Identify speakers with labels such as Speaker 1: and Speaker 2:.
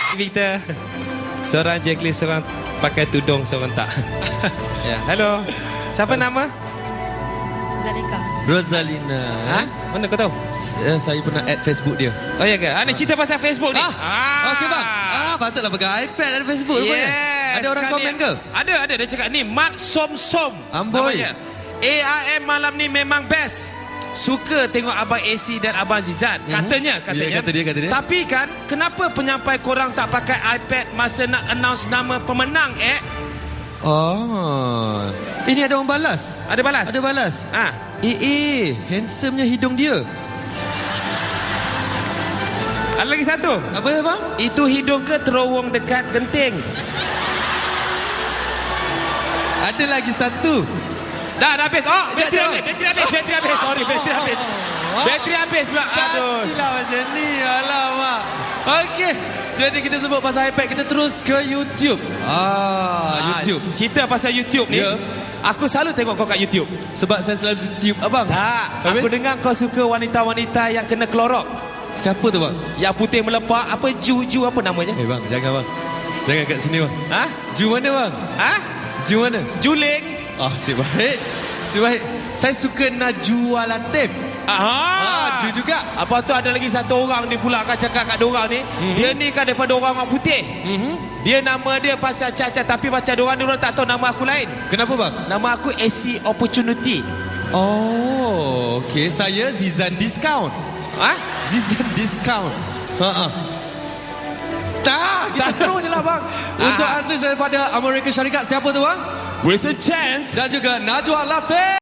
Speaker 1: Victor. Seorang Jacqueline, seorang pakai tudung, seorang tak. Ya, halo. Siapa nama?
Speaker 2: Zalika.
Speaker 3: Rosalina.
Speaker 1: Ha? Mana kau tahu?
Speaker 3: Saya pernah add Facebook dia.
Speaker 1: Oh ya ke? Ni cerita pasal Facebook ni.
Speaker 3: Okey bang. Patutlah pakai iPad ada Facebook rupanya. Ada orang komen ke?
Speaker 1: Ada. Dia cakap ni Mat Som Som.
Speaker 3: Amboi.
Speaker 1: Namanya. ARM malam ni memang best. Suka tengok Abang AC dan Abang Zizan. Katanya.
Speaker 3: Ya, kata dia.
Speaker 1: Tapi kan, kenapa penyampai korang tak pakai iPad masa nak announce nama pemenang,
Speaker 3: Oh. Ini ada orang balas.
Speaker 1: Ada balas?
Speaker 3: Ada balas. Handsomenya hidung dia.
Speaker 1: Ada lagi satu.
Speaker 3: Apa ya bang?
Speaker 1: Itu hidung ke terowong dekat genting?
Speaker 3: Ada lagi satu.
Speaker 1: Dah habis. Bateri
Speaker 3: dah.
Speaker 1: habis. Sorry, bateri habis. Bateri habis pula. Aduh.
Speaker 3: Kacau macam ni. Alamak. Okey. Jadi kita sebut pasal iPad, kita terus ke YouTube. YouTube.
Speaker 1: Cerita pasal YouTube ni.
Speaker 3: Ya.
Speaker 1: Aku selalu tengok kau kat YouTube.
Speaker 3: Sebab saya selalu YouTube abang.
Speaker 1: Tak.
Speaker 3: Habis?
Speaker 1: Aku dengar kau suka wanita-wanita yang kena klorok.
Speaker 3: Siapa tu bang?
Speaker 1: Yang putih melepak. Apa Ju apa namanya?
Speaker 3: Bang, jangan bang. Jangan kat sini bang.
Speaker 1: Ha?
Speaker 3: Ju mana bang?
Speaker 1: Ha?
Speaker 3: Ju mana?
Speaker 1: Juling.
Speaker 3: Asyik baik. Saya suka Najwa Latif. Ju juga.
Speaker 1: Apa tu ada lagi satu orang ni pula akan cakap kat diorang ni. Dia ni kan daripada orang putih. Dia nama dia pasal Caca. Tapi macam diorang tak tahu nama aku lain.
Speaker 3: Kenapa bang?
Speaker 1: Nama aku AC Opportunity.
Speaker 3: Oh, okey. Saya Zizan Discount. Zizan Discount. Kita terus je lah bang. Untuk artis daripada Amerika Syarikat, siapa tu bang?
Speaker 1: With a chance.
Speaker 3: Dan juga Najwa Latif.